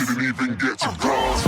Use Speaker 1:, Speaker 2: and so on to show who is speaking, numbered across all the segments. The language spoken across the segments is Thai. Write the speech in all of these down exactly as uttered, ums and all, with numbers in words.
Speaker 1: didn't even get to bronze.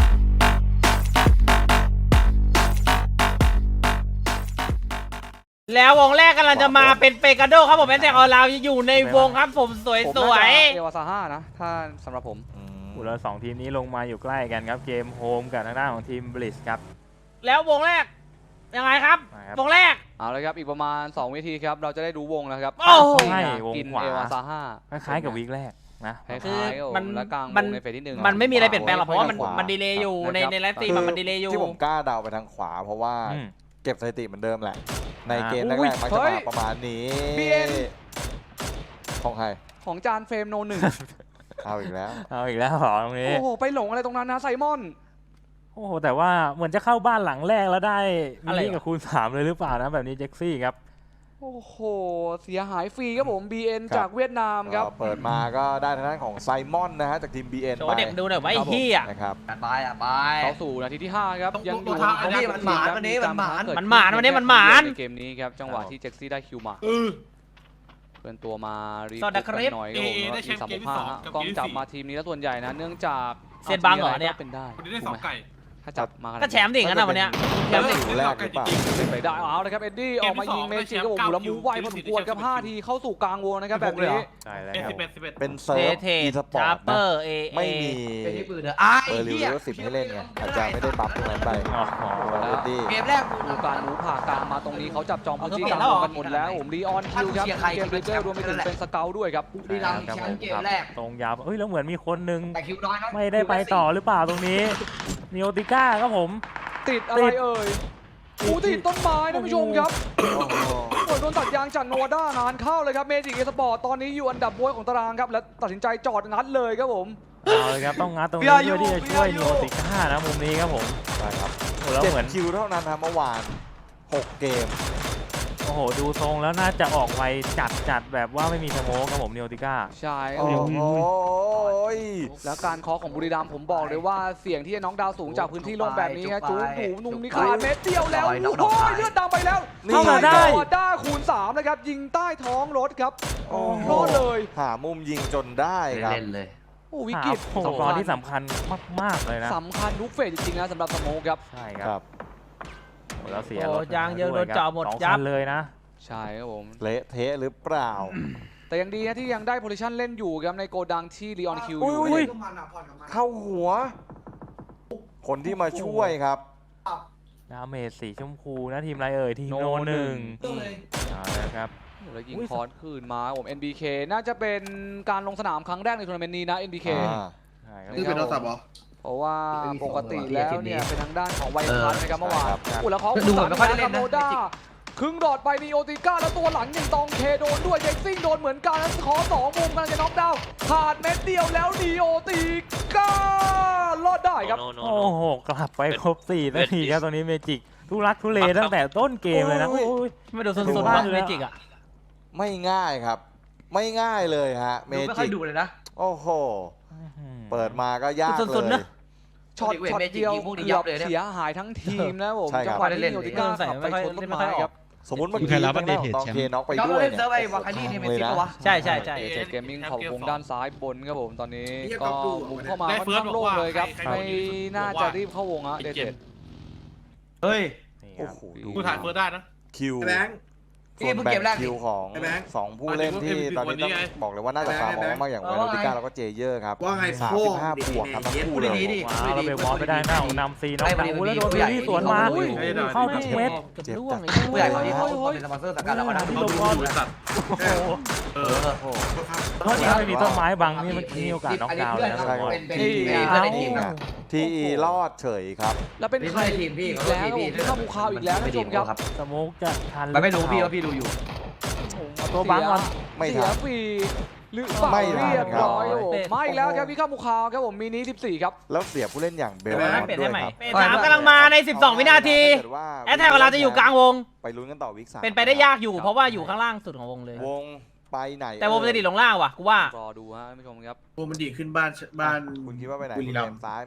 Speaker 2: แล้ววงแรกกำลังจะมาเป็นเปกาโดครับผมแอนแทกออนไลน์อยู่ในวงครับผมสวย
Speaker 3: ผม
Speaker 2: ส
Speaker 3: น่า
Speaker 2: วย
Speaker 3: จะเอวาซาห้านะถ้าสำหรับผม
Speaker 4: อุลสองทีมนี้ลงมาอยู่ใกล้กันครับเกมโฮมกับทางด้านของทีมบลิสครับ
Speaker 2: แล้ววงแรกยังไงครับ
Speaker 4: มาครับ
Speaker 2: วงแรก
Speaker 3: เอาละครับอีกประมาณสองวิธีครับเราจะได้ดูวงแล้วครับ
Speaker 2: โอ้โห
Speaker 4: ใช่วง
Speaker 3: กิน
Speaker 4: ขวา
Speaker 3: เอวาซาห้า
Speaker 4: คล้ายๆกับวีคแรกนะ
Speaker 3: คล้ายๆ
Speaker 2: คือ
Speaker 3: ครับ
Speaker 2: มัน
Speaker 3: และกลางว
Speaker 2: มัน
Speaker 3: งในเฟสที่หนึ่ง
Speaker 2: มันไม่มีอะไรเปลี่ยนแปลงหรอกเพราะว่ามัน
Speaker 5: ขวามั
Speaker 2: มันดีเลย์อยู่ใน
Speaker 3: นะครับ
Speaker 2: ในไลฟ์สตรีมอะมันดีเลย์อยู่
Speaker 5: ที่ผมกล้าเดาไปทางขวา เพราะว่า
Speaker 4: อืม
Speaker 5: เก็บสถิติเหมือนเดิมแหละ ใน
Speaker 4: อ่า
Speaker 5: เกมแร
Speaker 3: อุ้ย
Speaker 5: กๆมักจะ
Speaker 3: เฮ้
Speaker 5: มาย ประมาณนี้
Speaker 3: บี เอ็น
Speaker 5: ของใคร
Speaker 3: ของจานเฟรมโนหนึ่ง
Speaker 5: เอาอีกแล้ว
Speaker 4: เอาอีกแล้วเหรอตรงนี้
Speaker 3: โอ้โหไปหลงอะไรตรงนั้นนะไซมอน
Speaker 4: โอ้โหแต่ว่าเหมือนจะเข้าบ้านหลังแรกแล้วได้มิ
Speaker 2: อะไร
Speaker 4: นิ
Speaker 2: วะ
Speaker 4: กับคูณสามเลยหรือเปล่านะแบบนี้เจ็กซี่ครับ
Speaker 3: โอ้โหเสียหายฟรีครับผม บี เอ็น
Speaker 5: ครับ
Speaker 3: จากเวียดนามครับ
Speaker 5: ก็เปิดมาก็ได้ทางด้านของไซมอนนะฮะจากทีม บี เอ็น
Speaker 2: โช
Speaker 5: ไป
Speaker 2: ว์เด็กดูหน่อยว่าไอ้
Speaker 5: ครับผม
Speaker 2: เฮีย
Speaker 5: นะครับ
Speaker 6: ไปอ่ะไป
Speaker 3: เข้าสู่นาทีที่ห้าครับ
Speaker 6: ต้อง
Speaker 3: ยังอยู่
Speaker 6: ต้องทำอันนี้มันหมานวันนี้มันหมาน
Speaker 3: เกิด
Speaker 2: มันหมานวันนี้มันหมาน
Speaker 3: ในเกมนี้ครับจังหวะที่เจ็กซี่ได้คิวมาเพื่อนตัวมารี
Speaker 2: สวัสดีครับ
Speaker 3: กันหน่อยครับผม
Speaker 7: เอเอได้แชมป์
Speaker 3: สาม
Speaker 7: เกมที่
Speaker 3: ห้า
Speaker 7: สอง
Speaker 3: ฮะ
Speaker 7: กับ
Speaker 3: กล้อง
Speaker 7: เกมที่
Speaker 3: จับ
Speaker 7: สี่
Speaker 3: มาทีมนี้แล้วส่วนใหญ่นะเนื่องจาก
Speaker 2: เซียนบังเหรอเนี่ย
Speaker 3: ก็เป็นได้
Speaker 7: คนนี้ได้สองไก่
Speaker 3: ถ้าจับมาขนาด
Speaker 2: ก็
Speaker 3: นี้
Speaker 2: แชมป์ดิงั้นนะวันเนี้ยแชมป์ดิ
Speaker 5: อยู่แรกหรือเปล่า
Speaker 3: เป็นไปได้เอาเลยครับเอ็ดดี้ออกมายิงเมจิครับผมแล้วมูฟไวพอสมควรครับห้าทีเข้าสู่กลางวงนะครับแบบนี้
Speaker 4: ใช่แล้ว
Speaker 7: เอ็ด
Speaker 4: ครั
Speaker 7: สิ
Speaker 4: บบ
Speaker 7: เอ็ดสิบเอ็ด
Speaker 5: เป็นเซิร์ฟ
Speaker 2: เท
Speaker 5: อีสปอ
Speaker 2: ชา
Speaker 5: ร์ต
Speaker 2: ร์เปอ
Speaker 5: นะ
Speaker 2: ร์เอ
Speaker 5: ไม่มี
Speaker 6: ไอ้ที่ปืนเด้อไอ้
Speaker 5: เบอร์ริว
Speaker 6: เหี้ย
Speaker 5: หรือสิบให้เล่นไงอาจจะไม่ได้บัฟตรงนั้นไป
Speaker 4: อ๋อ
Speaker 5: ตัวเรดดี้
Speaker 6: เกมแรกกู
Speaker 3: ดูการมูฟผ่ากลางมาตรงนี้เขาจับจองพื้นที่
Speaker 2: เอา
Speaker 3: กลาง
Speaker 2: เอา
Speaker 3: วงกันหมดแล้วผมลีออนคิวครับ
Speaker 6: เชียร์ใคร
Speaker 3: เกมเบรกเกอร์รวมไปถึงเป็นสเกลด้วยครับ
Speaker 6: บุรีรัมย์แชมป์เกมแรก
Speaker 4: ตรงยาวเอ้ยแล้วเหมือนมีคนนึง
Speaker 6: แต่คิวน้อยครับ
Speaker 4: ไม่ได้ไปต่อหรือเปล่าตรงนี้นิโอติก้าครับผม
Speaker 3: ติดอะไรเอ่ยอูติดต้นไม้ท่านผู้ชมครับ
Speaker 5: โอ้โห
Speaker 3: โดนตัดยางจากโนวาด้านานเข้าเลยครับเมจิกเอสปอร์ตตอนนี้อยู่อันดับบวยของตารางครับและตัดสินใจจอดงัดเลยครับผม
Speaker 4: เอาเลยครับต้องงัดตรงนี้
Speaker 3: พี่อายุ
Speaker 4: เพื่อที่จะช่วย
Speaker 3: พี่อายุ
Speaker 4: นิโอติก้านะมุมนี้ครับผม
Speaker 5: ใช่ครับ
Speaker 4: โอ้แล้ว
Speaker 5: เจ็ด
Speaker 4: เหมือน
Speaker 5: คิวเท่านั้นนะเมื่อวานหกเกม
Speaker 4: โอ้โหดูทรงแล้วน่าจะออกไวจัดจัดแบบว่าไม่มีสโมกครับผมนิโอติก้า
Speaker 3: ใช่ครับ
Speaker 5: โอ้
Speaker 3: ผม
Speaker 5: โห
Speaker 3: แล้วการเคาะของบุรีรัมย์ผมบอกเลยว่าเสียงที่จะน้องดาวสูงจากพื้นที่โล่งแบบนี้ฮะจูหูนุ่มนี่ขาดเม็ดเดียวแล้วโอ้ยเลือดดำไปแล้ว
Speaker 5: นี่
Speaker 4: เข้ามาได้
Speaker 3: ด้าคูณสามนะครับยิงใต้ท้องรถครับ
Speaker 5: โอ้โห
Speaker 3: รอดเลย
Speaker 5: หามุมยิงจนได้ครับ
Speaker 6: เล่นเลย
Speaker 3: โอ้วิ
Speaker 4: หาก
Speaker 3: ฤต
Speaker 4: สกอร์ที่สำคัญมากๆเลยนะ
Speaker 3: สำคัญทุกเฟสจริงๆนะสำหรับสโมกครับ
Speaker 4: ใช่ค
Speaker 5: ค
Speaker 4: รั
Speaker 5: รั
Speaker 4: บบ โอ้แล้วเสีย
Speaker 2: โอ้
Speaker 4: รถ
Speaker 2: ยางเยอะโดนเจาะหมด
Speaker 4: สอง
Speaker 2: ยั
Speaker 4: คั
Speaker 2: บ
Speaker 4: นเลยนะ
Speaker 3: ใช่ครับผม
Speaker 5: เละเทะหรือเปล่า
Speaker 3: แต่ยังดีนะที่ยังได้โพซิชันเล่นอยู่ครับในโกดังที่ลีออนคิวอ
Speaker 5: อุ้
Speaker 3: ยู่
Speaker 5: ย เข้าหัว คนที่มาช่วยครับ
Speaker 4: ดาเมจสีชมพูนะทีมอะไรเอ่ยทีมโนหนึ่งเอาละครับ
Speaker 3: แล้วยิง
Speaker 4: อุ้ย
Speaker 3: คอร์สคืนมาครับผม เอ็น บี เค น่าจะเป็นการลงสนามครั้งแรกในทัวร์นาเมนต์นี้นะ เอ็น บี เค
Speaker 5: อ่า
Speaker 4: ใช่ครับ
Speaker 3: นี่เป็นโทรศัพท์เหรอ เพราะว่าปกติแล้วเนี่ยเป็นทางด้านของไวพันนะครับเมื่อวานอุ้ยแล้วเขา
Speaker 6: ดูเหมือนไม่ค่อยได้เล่นนะ
Speaker 3: โนด้าครึ่งดอดไปนีโอติก้าแล้วตัวหลังยังตองเคโดนด้วยเจ็กซิ่งโดนเหมือนกันแล้วขอสองมุมกำลังจะน็อกดาวน์ขาดเม็ดเดียวแล้วนีโอติก้ารอดได้ครับ
Speaker 4: โอ้โหกลับไปครบสี่นาทีครับตรงนี้เมจิกทุรักทุเลตั้งแต่ต้นเกมเลยนะ
Speaker 5: โอ้
Speaker 4: โอ้
Speaker 5: ย
Speaker 4: ย
Speaker 2: ไม่ดูซุน
Speaker 4: ดู
Speaker 2: ซุน
Speaker 4: บ้า
Speaker 2: บ้าง ง
Speaker 4: เลย
Speaker 2: เม
Speaker 4: อะ
Speaker 2: จิกอ่ะ
Speaker 5: ไม่ง่ายครับ ไม่ง่ายเลยฮะ เม
Speaker 6: ดูไม่ค่อ
Speaker 5: จิ
Speaker 6: ย
Speaker 5: ก
Speaker 6: ดูเลยนะ
Speaker 5: โอ้โห เปิดมาก็ยาก
Speaker 2: สุดๆ
Speaker 5: เล
Speaker 2: นะ
Speaker 5: ย
Speaker 3: ช็อต
Speaker 6: เว้ย
Speaker 3: ช็อต
Speaker 6: เมจิก
Speaker 3: เดียว
Speaker 6: ยิงพวกนี้
Speaker 3: เกื
Speaker 6: ยั
Speaker 3: อบบ
Speaker 6: เลยเนี่ย
Speaker 3: เสียหายทั้งทีมนะผม
Speaker 5: ใช่ครับ
Speaker 3: จังหวะที่นีโอติก้า
Speaker 2: ใส่
Speaker 3: ขับ
Speaker 2: ไม่
Speaker 3: ไป
Speaker 2: ค่อย
Speaker 3: ชนต้น
Speaker 2: ไม่ค่
Speaker 3: ไม้
Speaker 2: อยออก
Speaker 3: ครับ
Speaker 5: สมมติเมื่อ
Speaker 8: มี
Speaker 5: กี้
Speaker 8: ใครรับ
Speaker 5: ทางด้านของ
Speaker 8: update
Speaker 5: ตอง
Speaker 8: แชมป์
Speaker 5: เคน็อกไป
Speaker 6: เรา
Speaker 5: ด้วย
Speaker 6: เล่น
Speaker 5: เนี่ย
Speaker 6: เซิร์ฟไอ้วาคานี่เนี่ยเมจิกปะวะ
Speaker 2: ใช่ใช่ใช่
Speaker 3: เอเจเกมมิ่งขอบวงด้านซ้ายบนครับผมตอนนี้
Speaker 7: เหี้ย
Speaker 3: ก็
Speaker 7: ก็ดู
Speaker 3: บุกเข้ามา
Speaker 7: ได้
Speaker 3: ค่อน
Speaker 7: เฟิร์ส
Speaker 3: ข้าง
Speaker 7: บอก
Speaker 3: โล่ง
Speaker 7: ว่า
Speaker 3: เลยครับ
Speaker 7: ใครใคร
Speaker 3: ไม่
Speaker 7: บอกดีที่สุด
Speaker 3: น่า
Speaker 7: บอก
Speaker 3: จะ
Speaker 7: ว่า
Speaker 3: รีบเข้าวงอะเด
Speaker 7: ไอ้
Speaker 3: เจ
Speaker 7: เจ็ด
Speaker 6: เฮ้ย
Speaker 4: นี่ค
Speaker 5: โอ้
Speaker 4: รับ
Speaker 5: โหดู
Speaker 7: กูถ่ายเฟิร์สได้นะ
Speaker 5: คิว
Speaker 7: ไอ้แบงค์
Speaker 5: ส่วน
Speaker 6: นี่เพิ่ง
Speaker 5: แบ่
Speaker 6: เกมแรก
Speaker 5: งคิวของ
Speaker 7: ไอ้แบงค์
Speaker 5: สองผู้เล่นที่
Speaker 7: ไอ้แบงค์
Speaker 5: ตอนนี้ต้อง
Speaker 7: ไอ้แบงค์
Speaker 5: บอกเลยว่าน่าจะฟาร์ม
Speaker 7: ไอ้แบงค์
Speaker 5: มากอย่าง
Speaker 6: เอ
Speaker 5: เว
Speaker 6: อ
Speaker 5: โรติก้าแล้วก็เจเยอร์ครับ
Speaker 7: ว่าไง
Speaker 5: สามสิบห้าบวกครับทั้งคู่เลย
Speaker 6: ดีๆดิ
Speaker 4: ว้าวแล้วไปวอลไม่ได้หน้าของนำซีน้อง
Speaker 6: ไม่
Speaker 4: หนู
Speaker 6: ไม่
Speaker 4: แล้วโดน
Speaker 6: ไม่
Speaker 4: วิลลี่สวนมา
Speaker 6: ไม่ไม่
Speaker 4: เข้าทุกเม็ด
Speaker 2: เกือบล่วงไอ้
Speaker 6: ผู้ใหญ่เขาที่เขาเขาเป็นสปอนเซอร์สังกัดเราก็นั่ง
Speaker 4: ที่
Speaker 6: ดู
Speaker 4: ลง
Speaker 6: ดู
Speaker 4: บอล
Speaker 6: ดู
Speaker 7: สัตว์
Speaker 4: โอ้โห
Speaker 7: เอ
Speaker 6: เอ
Speaker 7: อ
Speaker 6: อ
Speaker 5: โอ้โห
Speaker 4: เพราะถ้าไม่มีต้นไม้บังนี่มันมีโอกาสน็อกดาวน์เลยนะ
Speaker 5: ใช่ครับ
Speaker 6: เป็นเป็นเป็นเพื่อนในทีมนะ
Speaker 5: ทีอีรอดเฉยครับ
Speaker 3: แล้วเป็น
Speaker 6: นี่
Speaker 3: ใคร
Speaker 6: ไม่ใช่ทีมพี่
Speaker 3: อีก
Speaker 6: เขา
Speaker 3: แล้ว
Speaker 6: ทีมพี่
Speaker 3: ผมเข้าภูเขาอีกแล้วท่านผู้ชมครับ
Speaker 4: สโมกจะทัน
Speaker 6: มันไม่รู้พี่ว่าพี่ดูอยู่
Speaker 4: เอาตัวบังก่อน
Speaker 5: ไม่
Speaker 3: เสี
Speaker 5: ทั
Speaker 3: ย
Speaker 5: น
Speaker 3: ฟรีหรือเปล่า
Speaker 5: ไม่ทัน
Speaker 3: เรียบร้อย
Speaker 4: ครับ
Speaker 3: โอ้โหมาอีกแล้วครับพี่เข้าภูเขาครับผมมินิสิบสี่ครับ
Speaker 5: แล้วเสียผู้เล่นอย่างเบล
Speaker 2: เปลี่ยน
Speaker 5: มอน
Speaker 2: เปลี่ยน
Speaker 5: ด้ว
Speaker 2: ให้
Speaker 5: ย
Speaker 2: ใหม่
Speaker 5: ครับ
Speaker 2: เปลี่ยนสามกำลังมาในสิบสองวินาที
Speaker 5: ถ้าเกิดว่า
Speaker 2: แอตแทกของเราจะอยู่กลางวง
Speaker 5: ไปลุ้นกันต่อวิกสาม
Speaker 2: เป็นไปได้ยากอยู่เพราะว่าอยู่ข้างล่างสุดของวงเลย
Speaker 5: วงไปไหน
Speaker 2: แต่วงจะดีดลงล่างว่ะกูว่า
Speaker 3: รอดูฮะท่านผู้ชมครับ
Speaker 7: วงมันดีขึ้นบ้านบ้าน
Speaker 5: คุณคิดว่าไปไหน
Speaker 7: บุ
Speaker 5: คุ
Speaker 7: รี
Speaker 5: ณ
Speaker 7: รั
Speaker 5: เล
Speaker 7: มย์
Speaker 5: นซ้ายไหม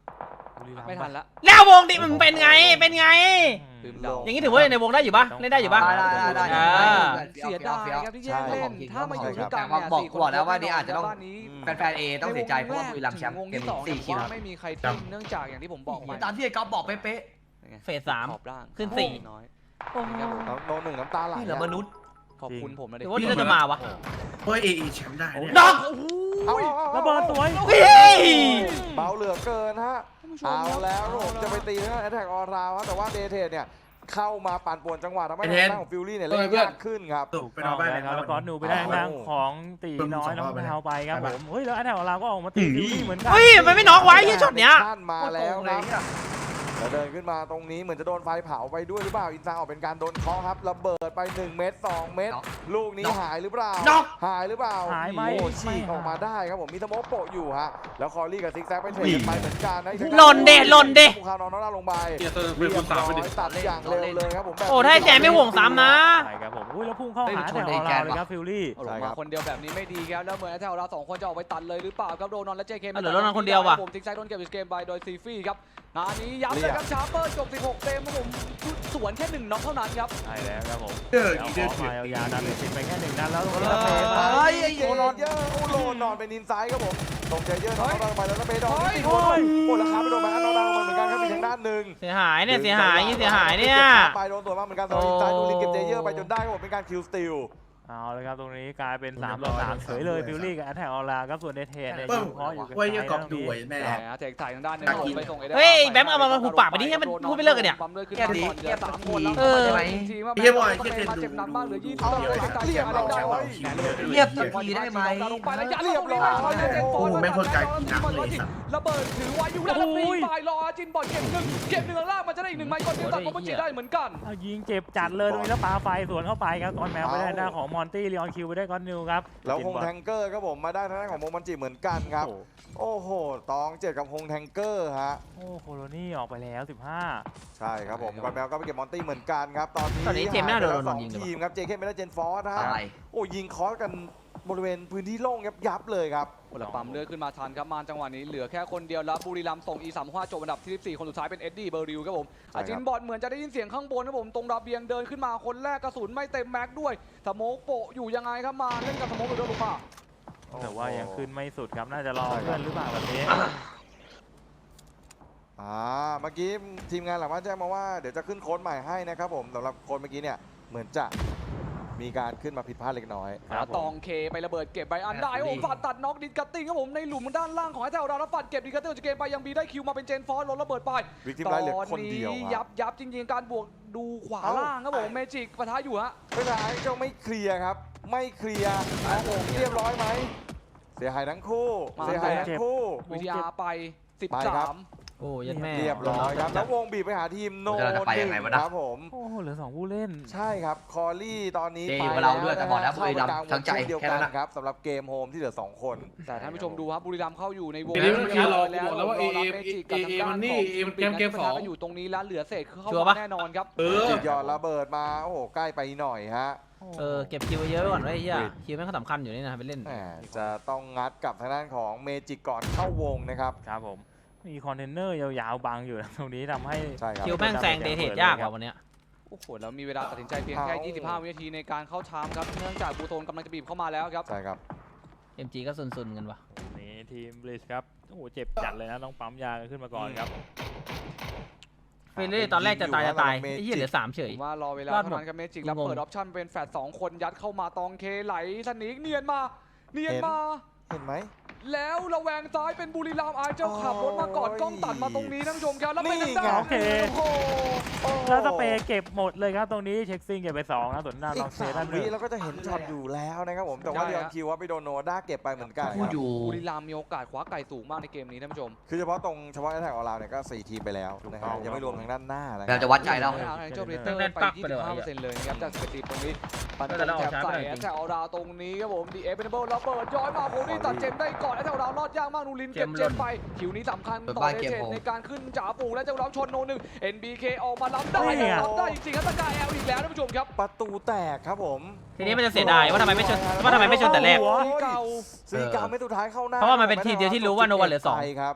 Speaker 4: บุรีรัมย์
Speaker 3: ไม่ทันละ
Speaker 2: แล้ววงดิมันเป็นไงเป็นไง
Speaker 3: ลืมเดา
Speaker 2: อย่างนี้ถือว่าในวงได้อยู่ปะเล่นได้อยู่ปะ
Speaker 6: ได้ได้ได้
Speaker 2: อ่า
Speaker 3: เสียดายครับที่แยกเล่นถ้ามาอยู่ด้วยกัน
Speaker 6: บอก
Speaker 3: เนี่ย
Speaker 6: บอก
Speaker 3: สี่คน
Speaker 6: บอกแล้วว่านี่อาจจะต้อง
Speaker 3: บ้านนี้
Speaker 6: แฟนๆเอต้องเสียใจเพราะว่าบุรีรัมย์แชมป์
Speaker 3: วง
Speaker 6: เกม
Speaker 3: ที่สอง
Speaker 6: สี่
Speaker 3: ผม
Speaker 6: คิวค
Speaker 3: ว่า
Speaker 6: รับ
Speaker 3: ไม่มีใครทิ้งเนื่องจากอย่างที่ผมบอกไป
Speaker 6: ตามที่ไอ้ก๊อฟบอกเป๊ะ
Speaker 2: เฟสสาม
Speaker 3: ขอบล่าง
Speaker 2: ขึ้นสี่
Speaker 3: น้อย
Speaker 5: น้ำโนหนึ่งน้ำตาไหล
Speaker 6: ๆนี่เหลือมนุษย์
Speaker 3: ขอบคุณผมนะ
Speaker 2: ห
Speaker 3: เด็
Speaker 2: รื
Speaker 3: ก
Speaker 2: อว่านี่จะมาวะ
Speaker 1: เฮ้ยเอเอแชมป์ได้เนี่ย
Speaker 2: น็อก
Speaker 5: เอาเอาเอา
Speaker 4: ระเบิดสวย
Speaker 2: เฮ้ย
Speaker 5: เบาเหลือเกินฮะ เอาแล้วผมจะไปตีนะแอตแทกออราวแต่ว่าเดเทสเนี่ยเข้ามาปั่นป่วนจังหวะทำให้ทางด้านของฟิลลี่เนี่ยเล่นยากขึ้นครับ
Speaker 1: ตกไปนอนบ้าน
Speaker 4: แล้วแล้วก็หนูไปได้ทางของตีน้อยน้องเท้าไปครับผมเฮ้ยแล้วอันแถวเราก็ออกมาตีฟิลลี่เหมือนกัน
Speaker 2: เฮ้ยมันไม่น็อกไว้ยี่ช็อตเนี้ย
Speaker 5: ท่านมาแล้วครับแล้วเดินขึ้นมาตรงนี้เหมือนจะโดนไฟเผาไปด้วยหรือเปล่าอินซาออกเป็นการโดนเคาะครับระเบิดไปหนึ่งเม็ดสองเม็ดลูกนี้หายหรือเปล่าหายหรือเปล่า
Speaker 4: หายไหม
Speaker 5: โอ้ฉีกออกมาได้ครับผมมีสโมกโปะอยู่ฮะแล้วคอรี่กับซิกแซกไปเทรดกันไปเหมือนกันนะ
Speaker 2: หล่นเดะหล่นเดะ
Speaker 5: ภูเขานอนน้องลงไป
Speaker 1: เกียร์เตอร์
Speaker 5: เรี
Speaker 1: เป็น
Speaker 5: ย
Speaker 1: ค
Speaker 5: บ
Speaker 1: นสาม
Speaker 5: ร้
Speaker 1: ไป
Speaker 5: อ
Speaker 1: ดิ
Speaker 5: ยตัดอย่างเร็วเลยครับผมแบบ
Speaker 2: โอ้ถ้าให้แจมไม่ห่วงซ้ำนะ
Speaker 4: ใช่ครับผมอุ้ยแล้วพุ่งเข้าหาแถวเราเลยครับฟิลลี่
Speaker 3: เอาลงมาคนเดียวแบบนี้ไม่ดีครับแล้วเหมือนแถวเราสองคนจะออกไปตัดเลยหรือเปล่าครับโดนนอนและเจเค
Speaker 2: เอาเหลือโดนนอนคนเดียวว่ะ
Speaker 3: ผมทิ้งไซด์โดนเก็บอีกเกมไปโดยซีฟี่ครับนานี้ย้ำเลยครับชาร์เปอร์จบสิบหกเต็มครับผมสวนแค่หนึ่งน็อกเท่านั้นครับ
Speaker 4: ใช่แล้วครับผม
Speaker 1: เดือด
Speaker 4: เดี๋ยว
Speaker 1: เดือด
Speaker 4: ขอ
Speaker 1: เดือ
Speaker 4: มา
Speaker 1: ด
Speaker 4: ยาวๆดันเลยติดไปแค่หนึ่งนัดแล้วตรงนี้
Speaker 5: เอ
Speaker 4: เรา
Speaker 5: อ
Speaker 4: ไป
Speaker 5: เฮ้ยไอ้เจเยอร์โอ้โหนอนเป็นอินไซด์ครับผมตรงเจเยอร์นอนลงไปแล้วก็เบดอนติดหัวโอ้ราคาไปโดนมาน้องดาวเหมือนกันครับมีทางด้านหนึ่ง
Speaker 2: เสียหายเนี่ยเสียหายยิ่งเสียหายเนี่ย
Speaker 5: ไปโดนตัวมาเหมือนกันสำหรับอินไซด์ดูลิงเก็บเจเยอร์ไปจนได้ครับผมเป็นการคิวสติล
Speaker 4: เอาเลยครับตรงนี้กลายเป็นสามต่อสามเฉยเลยฟิลลี่กับแถวเราครับส่วนเดเทนเนี่ย
Speaker 1: เปิ้
Speaker 4: ยิ
Speaker 1: ม
Speaker 4: งเพราะอยู่กัน
Speaker 1: เว้ยยังกอบ
Speaker 4: ตรง
Speaker 1: ดู
Speaker 4: นี้
Speaker 1: ไว้แม่
Speaker 3: แหมเทคถ่ายทางด้านหนึงไปส่ง
Speaker 2: เฮ้ยแบมเอามาหุบปากไปดิให้มันพูดไม่เลิกกันเนี่ย
Speaker 3: ปั๊มเลยขึ้นมาก่อนเหลือสามคนแล้ว
Speaker 2: เออ
Speaker 3: ใช่ไหมทีมว่าแบมก็เป็นมาเจ็บหนักมากเหลือยี่สิบต่อเลยตายเสียอะไรได้วะ
Speaker 6: เรียบสักทีได้ไหม
Speaker 3: ลงไปแล้วยัดเรียบร้อยระเบิดถือไว้อยู่แล้วตีไฟรอจินบอลเก็บหนึ่งเก็บหนึ่งล่างมันจะได้อีกหนึ่งไมค์ก่อนเดียวตัดก็มันจีได้เหมือนกัน
Speaker 4: เอายิงเจ็บจัดเลยตรงนี้แล้วปาไฟสวนเข้าไปครับก้อนแมวไปได้หน้าของมอนตี้ลีออนคิวไปได้ก้อนนิวครับ
Speaker 5: แล้วฮงแทงเกอร์ครับผมมาได้ทางด้านของโมมันจิเหมือนกันครับโอ้โหตองเจ็ดกับฮงแทงเกอร์ฮะ
Speaker 4: โอ้โคโลนี่ออกไปแล้วสิบห้า
Speaker 5: ใช่ครับผมกอนแมวก็ไปเก็บมอนตี้เหมือนกันครับตอนนี้
Speaker 2: ตอนนี้เจมส์ไม่น่าโดน
Speaker 5: หายไปแล้ว
Speaker 2: โด
Speaker 5: สอน ง
Speaker 2: ยิงเลย
Speaker 5: ทีมครับเจเคไม่ได้เจนฟอร์สฮะ
Speaker 6: อะไร
Speaker 5: โอ้ยิงคอสกันบริเวณพื้นที่โล่งยับยับเลยครับ
Speaker 3: โอ้แล้วปั๊มเลือดขึ้นมาทันครับมาจังหวะนี้เหลือแค่คนเดียวแล้วบุรีรัมย์ส่ง อี สามห้า จบอันดับที่สิบสี่คนสุดท้ายเป็นเอ็ดดี้เบอร์ริวครับผม
Speaker 5: ใช่ครับ
Speaker 3: อาจินบอลเหมือนจะได้ยินเสียงข้างบนครับผมตรงระเบียงเดินขึ้นมาคนแรกกระสุนไม่เต็มแม็กด้วยสโมกโปะอยู่ยังไงครับมาเล่นกับสโมกหรือโดนลูกป่า
Speaker 4: แต่ว่ายังขึ้นไม่สุดครับน่าจะรอเพื่อนหรือเปล่าแบบนี้
Speaker 5: อ่าเมื่อกี้ทีมงานหลังบ้านแจ้งมาว่าเดี๋ยวจะขึ้นโค้ดใหม่ให้นะครับผมสำหรับโค้ดเมื่อกี้เนี่ยเหมือนจะมีการขึ้นมาผิดพลาดเล็กน้อย
Speaker 4: ครับผม
Speaker 3: ตองเคไประเบิดเก็บใบอันได้โอ้ฝัดตัดน็อกดิสกัตติ้งครับผมในหลุมด้านล่างของไอ้แถวเราแล้วฝัดเก็บดิสกัตติ้งจากเกมไปยังบีได้คิวมาเป็นเจนฟอสลดระเบิดไป
Speaker 5: วิกทีมไลท์เหลือคนเดียว
Speaker 3: ตอนนี้
Speaker 5: ค
Speaker 3: ยั
Speaker 5: รับบ
Speaker 3: ยับจริงๆการบวกดูขวา
Speaker 5: เอ้า
Speaker 3: ล่างครับผมเมจิกปะทะอยู่ฮะ
Speaker 5: ไม่เป็นไรเจ้าไม่เคลียร์ครับ ไม่เคลียร์เอาโอ่งเรียบร้อยไหมเสียหายทั้งคู่
Speaker 3: มา
Speaker 5: เสียหายทั้งคู่
Speaker 3: วิทยาไป
Speaker 5: ไปครับ
Speaker 3: สิบสาม
Speaker 2: โอ้ยันแม่
Speaker 5: เรียบร้อยครับแล้ววงบีบไปหาทีมโน
Speaker 6: เราจะไปยังไงวะนะ
Speaker 5: ครับผม
Speaker 4: โอ้โหเหลือสองผู้เล่น
Speaker 5: ใช่ครับคอรี่ตอนนี้
Speaker 6: เจ
Speaker 5: ไป
Speaker 6: อยู่กับเราด้วยแต่บอกแล้ว
Speaker 5: เข้าไปกลางว
Speaker 6: ทั้
Speaker 5: ง
Speaker 6: งใจ
Speaker 5: เช่นเดียว
Speaker 6: แค่
Speaker 5: กั
Speaker 6: นั้น นนะ
Speaker 5: ครับสำหรับเกมโฮมที่เหลือสองคน
Speaker 3: แต่ท่านผู้ชมดูครับบุรีรัมย์เข้าอยู่ในวง
Speaker 1: เดี๋ยวนี้มันคือเรา
Speaker 3: แล้ว
Speaker 1: บอกแล้วว่า
Speaker 3: รอรับ
Speaker 1: เอ
Speaker 3: เม
Speaker 1: เอ
Speaker 3: จิกกับทางด้าน
Speaker 1: เอเอมันนี่
Speaker 3: ของ
Speaker 1: เอมันเกมเกมสอง
Speaker 3: ปะทะกันอยู่ตรงนี้แล้วเหลือเศษคือเข้า
Speaker 2: ชัวร์
Speaker 3: มา
Speaker 2: ปะ
Speaker 3: แน่นอนครับ
Speaker 1: เออ
Speaker 5: หยอดระเบิดมาโอ้โหใกล้ไปหน่อยฮะ
Speaker 2: เออเก็บคิวไว้เยอะไว้ก่อนไว้เฮียคิวแม่งก็สำคัญอยู่นี่นะไปเล่น
Speaker 5: แหมจะต้องงัดกับทางด้านของเมจิกก่อนเข้าวงนะครับ
Speaker 4: ครับผมมีคอนเทนเนอร์ยาวๆบังอยู่นะตรงนี้ทำให้
Speaker 5: ใช่ครับ
Speaker 2: คิวแม่งแซงเดทเทดยากกว่าวันเนี้ย
Speaker 3: โอ้โหแล้วมีเวลาตัดสินใจเพียงแค่
Speaker 5: เอา
Speaker 3: ยี่สิบห้า วินาทีในการเข้าชาร์จครับเนื่องจากบูโตนกำลังจะบีบเข้ามาแล้วครับ
Speaker 5: ใช่ครับ
Speaker 2: เอ็มจีก็ซุนๆกันวะ
Speaker 4: นี่ทีมบลิชครับโอ้โหเจ็บจัดเลยนะต้องปั๊มยากันขึ้นมาก่อนครับ
Speaker 2: เฟรนลี่ตอนแรกจะตายจะตายไอ้เหี้ยเหลือสามเฉย
Speaker 3: ผมว่ารอเวลาร
Speaker 2: อดหม
Speaker 3: เท่า
Speaker 2: ด
Speaker 3: นั้นครับเมจิกแล้ว
Speaker 2: งง
Speaker 3: เปิดออปชั่นเป็นแฟดสองคนยัดเข้ามาตองเคไหลสนิกเนียนมาเนียนมา
Speaker 5: เห็นไหม
Speaker 3: แล้วระแวงซ้ายเป็นบุรีรัมย์ไอเจ้าขับรถมาก่อน
Speaker 5: โอ้ย
Speaker 3: กล้องตัดมาตรงนี้ท่านผู้ชมครับแล้วเป็น
Speaker 5: นี่
Speaker 3: ทางด้าน
Speaker 5: ไง
Speaker 4: โอเค
Speaker 3: โอ้โห
Speaker 4: แล้วสเปรย์เก็บหมดเลยครับตรงนี้เช็คซิงเก็บไปสองนะส่วนหน้า
Speaker 5: อี
Speaker 4: ลอง
Speaker 5: ก
Speaker 4: เซ
Speaker 5: สา
Speaker 4: ด้าม นห
Speaker 5: วิ
Speaker 4: นึ่ง
Speaker 5: เราก็จะเห็นช็อตอยู่แล้วนะครับผมแต่ว่า
Speaker 3: ใช่
Speaker 5: เรีย
Speaker 3: ฮะ
Speaker 5: นคิวว่าไปโดนโนด้าเก็บไปเหมือนกัน
Speaker 6: พูด
Speaker 5: ครับ
Speaker 6: อยู่
Speaker 3: บุรีรัมย์มีโอกาสคว้าไก่สูงมากในเกมนี้ท่านผู้ชม
Speaker 5: คือเฉพาะตรงเฉพาะแอตแทกของเราเนี่ยก็สี่ทีมไปแล้วนะครั
Speaker 4: ถู
Speaker 5: บ
Speaker 4: กต้อง
Speaker 5: ยังไม่รวมทางด้านหน้านะค
Speaker 6: เรา
Speaker 5: รับ
Speaker 6: จะวัดใจเรา
Speaker 3: ทางเจ้าเรเตอร์
Speaker 2: แน่น
Speaker 3: ไป
Speaker 2: ปัก
Speaker 3: ยี่
Speaker 2: ไป
Speaker 3: สิ
Speaker 2: เลย
Speaker 3: บห้า
Speaker 2: ว่ะ
Speaker 3: เปอร์เซ็นต์เลยนะครับจากสถิติตรงนี้ปัน
Speaker 2: แต่เรา
Speaker 3: แถ
Speaker 2: ออก
Speaker 3: บ
Speaker 2: ช้า
Speaker 3: ใส่
Speaker 2: ไปหน่อย
Speaker 3: แอตแทกเอาดาวตรงนี้ครับผมดีเอฟเป็นเบิลแล้วเปิดย้อยมาโคนี่ตัดเจมได้ก่อนแอตแทกเอาดาวรอดยากมากนูรินเก็บเจมไปคิวนี้สำคัญต่อเดเจในการขึ้นจ่าฝูงและเจ้าเราชนโนหนึ่ง เอ็น บี เค ออกมาล้ำได้ล้ำได้จริงๆครับตะกายแอลอีกแล้วท่านผู้ชมครับ
Speaker 5: ประตูแตกครับผม
Speaker 2: ทีนี้มันจะเสียดายว่าทำไมไม่ชนว่าทำไมไม่ชนแต่แรก
Speaker 5: โอ้ย
Speaker 3: เก่า
Speaker 5: สีกาไม่สุดท้ายเข้าหน้า
Speaker 2: เพราะว่ามันเป็นทีมเดียวที่รู้ว่าโนวันเหลือสอง
Speaker 5: ไปครับ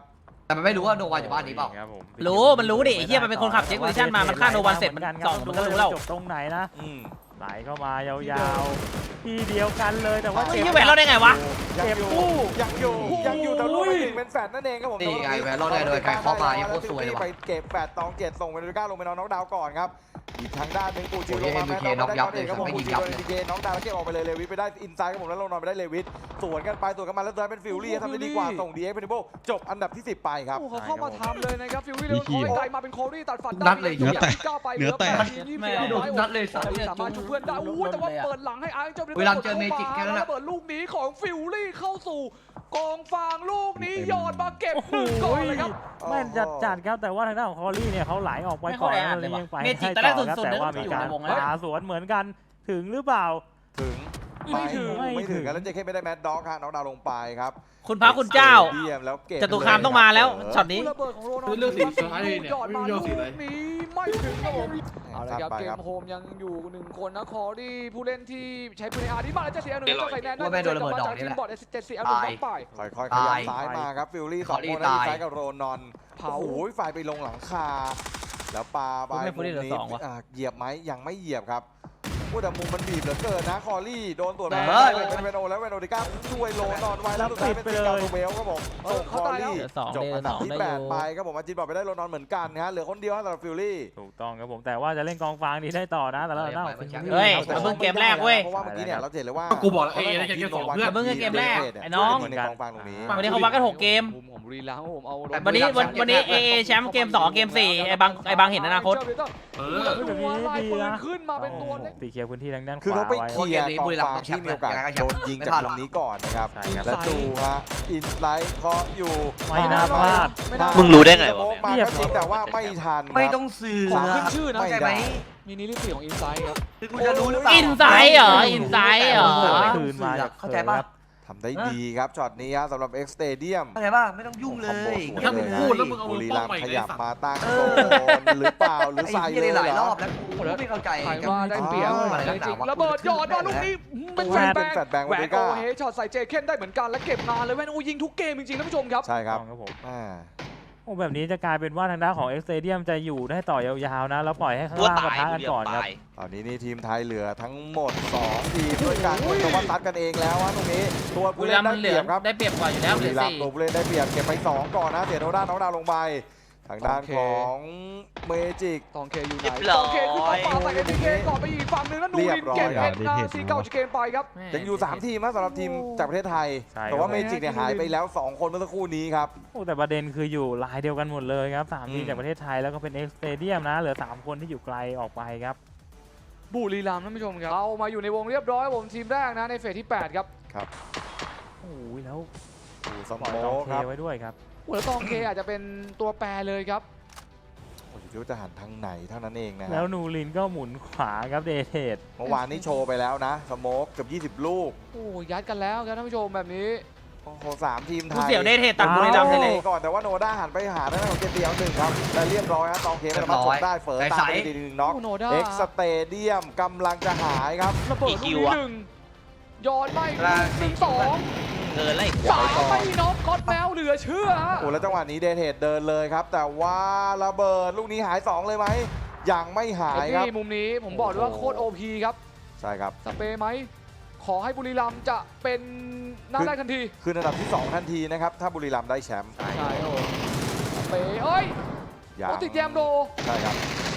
Speaker 6: แต่มันไม่รู้ว่าโนวันอยู่บ้านนี้เปล่า
Speaker 4: ครับผม
Speaker 2: รู้มันรู้ดิไอ้เหี้ยมันเป็นคนขับเช็คโพซิชั่นมามันฆ่าโนวันเสร็จมันส่องมันก็รู้แล้ว
Speaker 4: จบตรงไหนนะ
Speaker 5: อืม
Speaker 4: ไหลเข้ามายาวๆที่เดียวกันเลยแต่ว่า
Speaker 2: เฮ้ยแหวนเราได้ไงวะ
Speaker 5: ยัง
Speaker 4: เก็บ
Speaker 5: อยู่
Speaker 4: กู้
Speaker 5: ยังอยู่ยังอยู่แต่ลูกไปถึงเป็นแฟดนั่นเองครับผม
Speaker 6: นี่ไงแหวนรอดได้โดยการเคาะมานี่โคตรสวยเลยว่ะ
Speaker 5: ไปเก็บแฟดตองเจ็ดส่งเมนูก้าลงไปนอนน็อกดาวน์ก่อนครับอีกทางด้านหนึ่งปูจิล
Speaker 6: โอ้
Speaker 5: ล
Speaker 6: ย
Speaker 5: งมา
Speaker 6: เอ็ม
Speaker 5: แม
Speaker 6: บี
Speaker 5: น
Speaker 6: เค
Speaker 5: น็อกได้
Speaker 6: น็อกยับเลย
Speaker 5: ครับผม
Speaker 6: ไม่
Speaker 5: ปู
Speaker 6: ยิง
Speaker 5: จิ
Speaker 6: ยั
Speaker 5: ล
Speaker 6: บ
Speaker 5: โดน
Speaker 6: เลย
Speaker 5: เอ็มบีเคน็อกดาวน์แล้วเก็บออกไปเลยเลวิสไปได้อินไซด์ครับผมแล้วลงนอนไปได้เลวิสสวนกันไปสวนกันมาแล้วเดินเป็นฟิลลี่ทำได้ดีกว่าส่งดีเอ็กเพนเบิลจบอันดับที่สิบไปครับ
Speaker 3: โอ้เขาเข้ามาทำเลยนะครับฟิววี่เดินเข้าไกลมาเป็นโคลี่ตัดฟัน
Speaker 6: นัดเลย
Speaker 3: เนื้อแตกก้าวไปเหลือแปดทีมยี่สิบ
Speaker 2: แม่
Speaker 3: สี่
Speaker 6: โดนนัดเลยสัตว์
Speaker 3: สามารถช่วยเพื่อนได้อู้แต่ว่าเปิดหลังให้อาร์เจ้า
Speaker 6: เวลาเจอเมจิกแค่นั้น
Speaker 3: แล้
Speaker 6: น่ะ
Speaker 3: วเปิดลูกนี้ของฟิวลี่เข้าสู่กองฟางลูกนี้หยอดมาเก็บหนึ่งก่อนเลยครับ
Speaker 4: แม่นจัดจัดครับแต่ว่าทางด้านของคอรี่เนี่ยเขาไหลออกไปก่อนแล้วเลยยังไป
Speaker 2: เมจิก
Speaker 4: ให้
Speaker 2: ตอนแรก
Speaker 4: ต่อครับ
Speaker 2: สุดๆ
Speaker 4: แต่ว่า
Speaker 2: นึ
Speaker 4: มี
Speaker 2: กว่า
Speaker 4: การ
Speaker 2: อยู่ในวงแล้ว
Speaker 4: หาสวนเหมือนกันถึงหรือเปล่า
Speaker 5: ถึง
Speaker 3: ไม่ถึง
Speaker 5: ไม่ถึงกันแล้วเจคไม่ได้แมดด็อกฮะน็อกดาวน์ลงไปครับ
Speaker 2: คุณพระคุณเจ้า
Speaker 5: เดียมแล้วเก็บ
Speaker 2: จตุคามต้องมาแล้วช็อตนี้
Speaker 3: ระเบิดของโรนัล
Speaker 1: คือเรื่องสีฟ้าเนี่ย
Speaker 3: หยอดมา
Speaker 1: ไม่
Speaker 3: ลู
Speaker 1: รู้
Speaker 3: ก
Speaker 1: สีอะไร
Speaker 3: นี้ไม่ถึงครับผม เอาละครับ
Speaker 5: ไป
Speaker 3: เก
Speaker 5: ครั
Speaker 3: ม
Speaker 5: บ
Speaker 3: โฮมยังอยู่หนึ่งคนนะคอรี่ผู้เล่นที่ใช้ปืนอาร์ดีมาแล้วจะเสียหนึ่งจะใส่แนน
Speaker 6: ว่าแม่โดนระเบิดดอกนี้
Speaker 3: ที
Speaker 6: แห
Speaker 3: ม
Speaker 6: ละ
Speaker 3: บอร์ดเจ็ดสี่เอาหนึ่งบล็อกไป
Speaker 5: ค่อยๆขยับซ้ายมาครับฟิลลี่สองคนนะซ้ายกับโรนอน
Speaker 3: เผา
Speaker 5: โอ้ยฝ่ายไปลงหลังคา แล้วปาไป
Speaker 2: ไม่ Fully เหลือสองวะ
Speaker 5: าเหยียบไหมยังไม่เหยียบครับพูดแต่มุมมันบีบเหลือเกินนะคอรี่โดนตัวแบ
Speaker 6: เฮ้ย
Speaker 5: เป็นเวนโอแล้วเวนโอดิก้าช่วยโรนอนไว้แล้วสุดท้ายเป็นซิกาโตเบลครับผมส่งคอรี่
Speaker 2: เหลือสอง
Speaker 5: จบอันดับที่
Speaker 2: เหลือสอง
Speaker 5: แปด
Speaker 2: ได้อยู่
Speaker 5: ไปครับผมอาจินบอกไปได้โรนอนเหมือนกันนะฮะเหลือคนเดียวสำหรับฟิลลี่
Speaker 4: ถูกต้องครับผมแต่ว่าจะเล่นกองฟางนี้ได้ต่อนะแต่ละด้านของ
Speaker 2: เฮ้ย เพิ่งเกมแรกเว้ย
Speaker 5: เพราะว่าเมื่อกี้เนี่ยเราเห็นเลยว่า
Speaker 1: กูบอกแล้วเอ้ยได้แค่สองเพื่อน
Speaker 2: เพิ่งเกมแรกไอ้น้อง
Speaker 5: ในกองฟางตรงนี้
Speaker 2: วันนี้เขาวัดกันหกเกม
Speaker 3: มุมของบุรีรัมย์ผมเอา
Speaker 2: วันนี้วันวันนี้เอเอแชมป์เกมสองเกมสี่ไอ้บางไอ้บางเห็นอนาคต
Speaker 1: เอ
Speaker 3: เอ
Speaker 1: อ
Speaker 3: อดูว่าลายปืนขึ้นมาเป็นตัวเล็ก
Speaker 4: ตีเคลียร์พื้นที่ทางด้านข
Speaker 5: คือ
Speaker 4: วา
Speaker 5: เขาไป
Speaker 4: ไว้
Speaker 5: เคลียร์กองฟางที่มีโอกาสโดนยิงจากตรงนี้ก่อนนะครับ
Speaker 4: ใช่ครับ
Speaker 5: และดูฮะอินไลท์เคาะอยู่
Speaker 4: ไม่น่าพลาด
Speaker 7: มึงรู้ได้ไงวะ
Speaker 5: สโมกมาก็จริงแต่ว่าไม่ทันครับ
Speaker 6: ไม่ต้องสื่อ
Speaker 3: ของขึ้นชื่อนะ
Speaker 6: เข้าใจไหม
Speaker 3: มีนิลิสี่ของอินไซด์ครับ
Speaker 6: คือกูจะรู้หรือเปล่า
Speaker 2: อินไซด์เหรออินไซด์เหรอ
Speaker 4: คืนมาจาก
Speaker 6: เข้าใจป่ะ
Speaker 5: ทำได้ดีครับช็อตนี้ฮะสำหรับ X Stadium
Speaker 6: เข้าใจป่ะไม่ต้องยุ่งเล
Speaker 5: คอมโบ
Speaker 6: ย
Speaker 5: สวย
Speaker 1: ถ้ามึงพูดแล้วมึงเอา
Speaker 5: บุ
Speaker 1: มือ
Speaker 5: รี
Speaker 1: ป้อ
Speaker 5: รั
Speaker 1: ง
Speaker 5: ม
Speaker 1: ใหม่
Speaker 5: ย์ข
Speaker 1: เลย
Speaker 5: ยับ
Speaker 1: สัตว์
Speaker 5: มาตั้งโซนหรือเปล่าหรือ
Speaker 6: ไอ้
Speaker 5: ใส่
Speaker 6: เหี้ย
Speaker 5: เล
Speaker 6: ได้
Speaker 5: ย
Speaker 6: หลาย
Speaker 5: เหร
Speaker 6: ร
Speaker 5: อ
Speaker 6: อบแล้วกูไม่เข้าใจ
Speaker 3: ใครว่าได้เปรียบ
Speaker 6: อะไร
Speaker 3: จ
Speaker 6: นักห
Speaker 3: ริ
Speaker 6: นาง วะ
Speaker 3: ๆระเบิดหยอดมาลูกนี้เป็นแฟนแบง
Speaker 5: เป็นแฟนแบงค์
Speaker 3: แหว
Speaker 5: วาน ริ
Speaker 3: โก
Speaker 5: ก้า
Speaker 3: เฮช็อตใส่เจเคนได้เหมือนกันและเก็บงานเลยแว่นโอยิงทุกเกมจริงๆท่านผู้ชมครับ
Speaker 5: ใช่ครับ
Speaker 4: ครับผม
Speaker 5: อ่า
Speaker 4: โอ้แบบนี้จะกลายเป็นว่าทางด้านของเอ็กซ์เตเดียมจะอยู่ได้ต่อยาวๆนะแล้วปล่อยให้ข้าง
Speaker 7: ตัว
Speaker 4: ล่างปะ
Speaker 7: ตาย
Speaker 4: ทะ
Speaker 7: กู
Speaker 4: กัน
Speaker 7: เดียว
Speaker 4: ก่อนครับ
Speaker 7: ตาย
Speaker 5: ตอนนี้นี่ทีมไทยเหลือทั้งหมดสองทีมด้วยกันแต่ว่าตัดกันเองแล้วฮะตรงนี้ตัว
Speaker 2: บุ
Speaker 5: ผู้
Speaker 2: รี
Speaker 5: เล่
Speaker 2: รั
Speaker 5: น
Speaker 2: ม
Speaker 5: ได้
Speaker 2: ย์มันเห
Speaker 5: เป
Speaker 2: ลื
Speaker 5: รี
Speaker 2: อย
Speaker 5: บครับ
Speaker 2: ได้เปรียบกว่าอยู่แล้วเห
Speaker 5: บุ
Speaker 2: ลื
Speaker 5: รี
Speaker 2: อ
Speaker 5: รัม
Speaker 2: สี่
Speaker 5: ย์ตัวผู้เล่นได้เปรียบเก็บไปสองก่อนนะเสียโนด้าน้องดาวลงไปทางด้าน
Speaker 3: โอเค
Speaker 5: ของเมจิก
Speaker 3: ตองเคอยู่ไหน
Speaker 7: เรียบร้
Speaker 3: ต
Speaker 7: อย
Speaker 3: องเคขึ้นมาปาใส่เอ็นพีเคก่อนไปอีกฝั่งหนึงแล้วนูรินเก็บเอ็นนาซีเก้าจากเกมไปครับ
Speaker 5: ยังอยู่สามทีมนะสำหรับทีมจากประเทศไทย
Speaker 4: ใช่
Speaker 5: แต่ว่า
Speaker 4: ครับ
Speaker 5: เมจิกเนี่ยหายไปแล้วสองคนเมื่อสักครู่นี้ครับ
Speaker 4: โอ้แต่ประเด็นคืออยู่ลายเดียวกันหมดเลยครับสามทีม
Speaker 5: อืม
Speaker 4: จากประเทศไทยแล้วก็เป็นเอ็กซ์เตเดียมนะเหลือสามคนที่อยู่ไกลออกไปครับ
Speaker 3: บุรีรัมย์ท่านผู้ชมครับเอามาอยู่ในวงเรียบร้อยผมทีมแรกนะในเฟสที่แปดครับ
Speaker 4: โอ้ยแล้ว
Speaker 5: ดูส
Speaker 4: ปล่อย
Speaker 5: โม
Speaker 4: ตอง
Speaker 5: ก
Speaker 4: เค
Speaker 5: ครับ
Speaker 4: ไว้ด้วยครับ
Speaker 3: โอ้แล้วตองเคอาจจะเป็นตัวแปรเลยครับ
Speaker 5: โอ้ยคิดว่าจะหันทางไหนเท่านั้นเองนะฮะ
Speaker 4: แล้วนูรินก็หมุนขวาครับเดเทด
Speaker 5: เมื่อวานนี้โชว์ไปแล้วนะสโมกเกือบยี่สิบลูก
Speaker 3: โอ้ยัดกันแล้วครับท่านผู้ชมแบบนี้
Speaker 5: โอ้โหสามทีมไท
Speaker 2: กู
Speaker 5: ย
Speaker 2: เสียวได้เทตัดบุรีรัมย์ไปเลย
Speaker 5: ก่อนแต่ว่าโนด้าหันไปหาด้านของเจเตียวหนึ่งครับและเรียบร้อยฮะตองเคไม่สามารถชกได้เฟิร์ตามไปดีหนึ่งน็อก
Speaker 3: โอ้โนด้า
Speaker 5: เอ็กซ์สเตเดียมกำลังจะหายครับ
Speaker 3: ระเบิดลูก
Speaker 7: อีคิ
Speaker 3: นี้
Speaker 7: วอะ
Speaker 3: หนึ่งย้อนไม่
Speaker 6: กลาง
Speaker 3: หนึ่งสอง
Speaker 7: เกินเลย
Speaker 3: สามไม่น็อกก๊อตแมวเหลือเชื่อฮะ
Speaker 5: โอ้แล้วจังหวะนี้เดทเทดเดินเลยครับ แต่ว่าระเบิดลูกนี้หายสองเลยไหมยังไม่หายครับ
Speaker 3: นี่มุมนี้ผมบอกเลยว่าโคตรโอพีครับ
Speaker 5: ใช่ครับ
Speaker 3: สเปรย์ไหมขอให้บุรีรัมย์จะเป็นหน้าได้ทันที
Speaker 5: คืออันดับที่สองทันทีนะครับถ้าบุรีรัมย์ได้แชมป์
Speaker 3: ใช่ครับผมสเปรย์เอ้ย
Speaker 5: อย่า
Speaker 3: โอติดแยมโด
Speaker 5: ใช่ครับ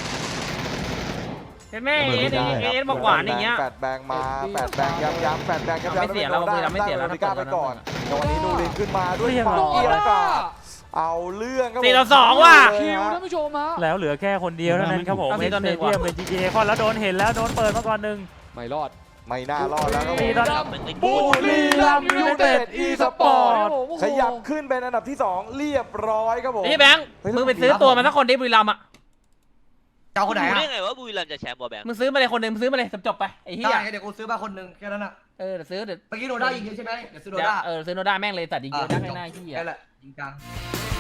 Speaker 2: เห็นไหมเอเอสเอเอสบอกหวานอย่างเงี้ย
Speaker 5: แปดแบงมาแปดแบงย้ำย้ำแปดแบงย้ำย้ำ
Speaker 2: ไม่เสียแล้วบุรีรัมย์ไม่เสียแล้ว
Speaker 5: ด้ก้าไปก่อนแต่วันนี้นูรินขึ้นมาด้วย
Speaker 4: เรียบร้
Speaker 5: ฝั่ง
Speaker 4: อย
Speaker 5: เกียร์กาเอาเรื่องครับผม
Speaker 2: สี่ต่อสองว่ะ
Speaker 3: คิวท่านผู้ชมฮะ
Speaker 4: แล้วเหลือแค่คนเดียวเท่านั้นครับผม
Speaker 2: เอาสิ
Speaker 4: เอ็ก
Speaker 2: ตอน
Speaker 4: ซ์
Speaker 2: หนึ่
Speaker 4: เต
Speaker 2: ง
Speaker 4: เดียม
Speaker 2: ว่ะ
Speaker 4: เป็นจีเคอนแล้วโดนเห็นแล้วโดนเปิดมาก่อนหนึ่ง
Speaker 3: ไม่รอด
Speaker 5: ไม่น่ารอดแล้วครับผ
Speaker 4: สี่
Speaker 5: ม
Speaker 4: ต่อ
Speaker 3: บุรีรัมย์ยูไนเต็ดอีสปอร์ต
Speaker 5: ขยับขึ้นเป็นอันดับที่สองเรียบร้อยครับผม
Speaker 2: ไอ้แบงค์มึงไปซื้อตัวมาสักคนดิบุรีรัมย์อ่ะ
Speaker 6: เจ้าคนไหน
Speaker 7: รู้
Speaker 6: อะ
Speaker 7: ได้ไงว่าบุรีรัมย์จะแชมป์บอลแบงค์
Speaker 2: มึงซื้อมาเลยคนหนึ่งมึงซื้อมาเลยจบๆไปไอ้เหี้
Speaker 6: ได้
Speaker 2: ย
Speaker 6: เดี๋ยวกูซื้อมาคนหนึ่งแค่นั้นอะ
Speaker 2: เออเดี๋ยวซื้อเดี๋ยว
Speaker 6: เมื่อกี้โนด้ายิงเยอะใช่ไหมเดี๋ยวซื้อโน
Speaker 2: เดี๋ยว
Speaker 6: ด้า
Speaker 2: เออซื้อโนด้าแม่งเลยตัดยิงเยอะได้ไม่น่าขี้
Speaker 6: แค่
Speaker 2: อ่ะ
Speaker 6: แหละยิงกลาง